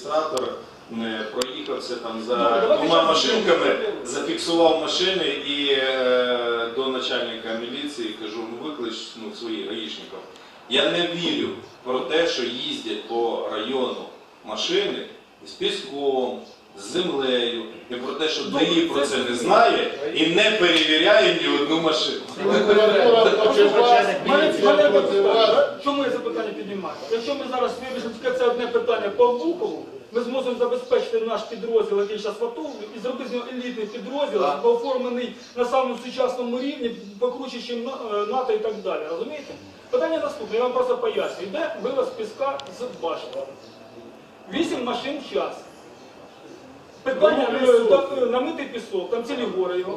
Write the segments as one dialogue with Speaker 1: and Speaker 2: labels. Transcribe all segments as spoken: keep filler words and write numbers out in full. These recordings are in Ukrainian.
Speaker 1: Адміністратор проїхався там за двома машинками, зафіксував машини і е, до начальника міліції кажу, ну виклич ну, своїх гаїшників. Я не вірю про те, що їздять по району машини з піском, з землею, і про те, що ДАІ про це не знає і не перевіряє ні одну машину.
Speaker 2: Чому я це питання піднімаю? Якщо ми зараз вирішимо тільки це одне питання по Обухову, ми зможемо забезпечити наш підрозділ, який зараз готовий, і зробити з нього елітний підрозділ, оформлений на самому сучасному рівні, покруче, ніж НАТО і так далі. Розумієте? Питання наступне, я вам просто поясню. Йде вивоз піска з башти. Вісім машин в час. Питання намитий пісок, там цілі гори його.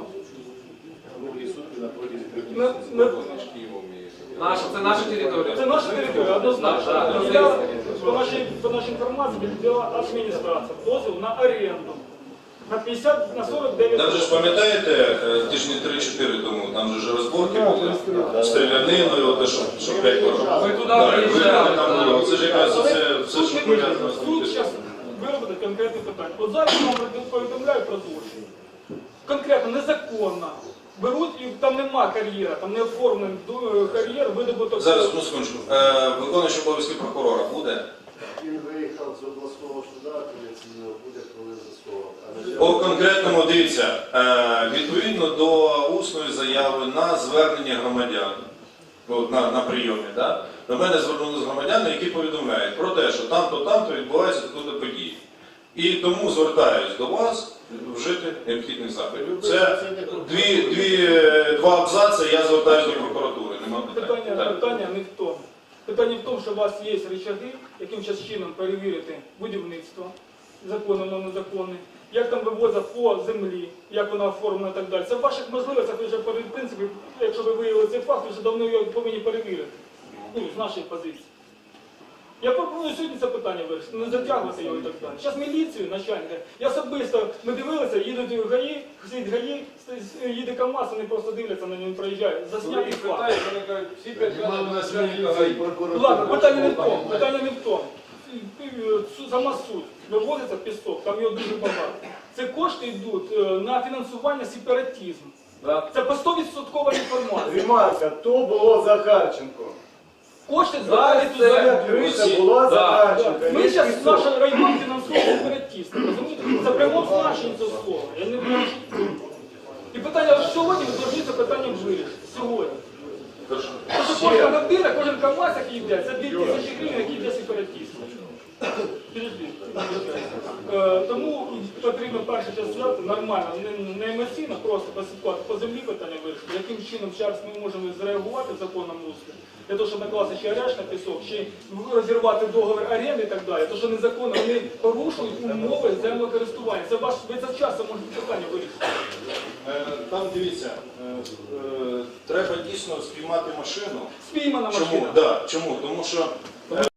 Speaker 3: Наша, це наша територія.
Speaker 2: Це наша територія, однозначно. Я, по, нашій, по нашій інформації, відділа адміністрація дозвіл на оренду. На п'ятдесят, на сорок дев'ять.
Speaker 1: Там же ж пам'ятаєте, тижні три-чотири тому, там же ж розборки були, стріляниною, те, що п'ять років.
Speaker 3: Ми туди приїжджали.
Speaker 1: Це ж якраз все, що пов'язано з
Speaker 2: Суд зараз виробить конкретне питання. От зараз я вам повідомляю про злочин. Конкретно, незаконно. Беруть, і там нема кар'єра, там не оформлений кар'єр, видобуток.
Speaker 1: Зараз, ну секундочку, виконуючий обов'язки прокурора буде?
Speaker 4: Він виїхав з обласного суду, апеляційного буде, коли засовував.
Speaker 1: По конкретному, дивіться, відповідно до усної заяви на звернення громадян, на, на прийомі, да? До мене звернулися громадяни, які повідомляють про те, що там-то, там-то відбувається таку події. І тому звертаюсь до вас вжити необхідних заходів. Це дві, дві, два абзаци, я звертаюся до прокуратури. Нема питань.
Speaker 2: Питання, питання не в тому. Питання в тому, що у вас є рычаги, яким зараз чином перевірити будівництво, законне, воно незаконне, як там вивозять по землі, як вона оформлена і так далі. Це в ваших можливостях, ви вже, в принципі, якщо ви виявили цей факт, ви вже давно його повинні перевірити. Ну, з нашої позиції. Я пропоную сьогодні це питання вирішити, не затягувати його і так далі. Зараз міліцію, начальника, я особисто, ми дивилися, їдуть ГАІ, сидить ГАІ, їде КАМАЗ, вони просто дивляться на нього, проїжджають, засняти факт. Ладно, питання не в тому, питання не в тому. Сама суть, вивозиться пісок, там його дуже багато. Це кошти йдуть на фінансування сепаратизму. Це по сто відсоткова інформація.
Speaker 5: Ремарка, то було Захарченко.
Speaker 2: Кошти збирали туди.
Speaker 5: Це була Захарченко.
Speaker 2: Ми зараз наш район фінансує сепаратисти, розумієте? Це прямо значення цього слова. Я не знаю, що це. І питання сьогодні, ви повинні це питання вирішити. Сьогодні. Тому що кожна година, кожен КАМАЗ, який йде, це дві тисячі гривень, які йде сепаратистам. Тому потрібно перше час взяти нормально, не емоційно, просто посипати по землі питання вирішити, яким чином зараз ми можемо зреагувати в законному руслі, для того, щоб накласти ще арешт на пісок, ще розірвати договір оренди і так далі, тому що незаконно вони порушують умови землекористування. Це ваш, ви це вчасно можете питання вирішити.
Speaker 1: Там, дивіться, треба дійсно спіймати машину.
Speaker 2: Спіймана машина.
Speaker 1: Чому? Да, чому? Тому що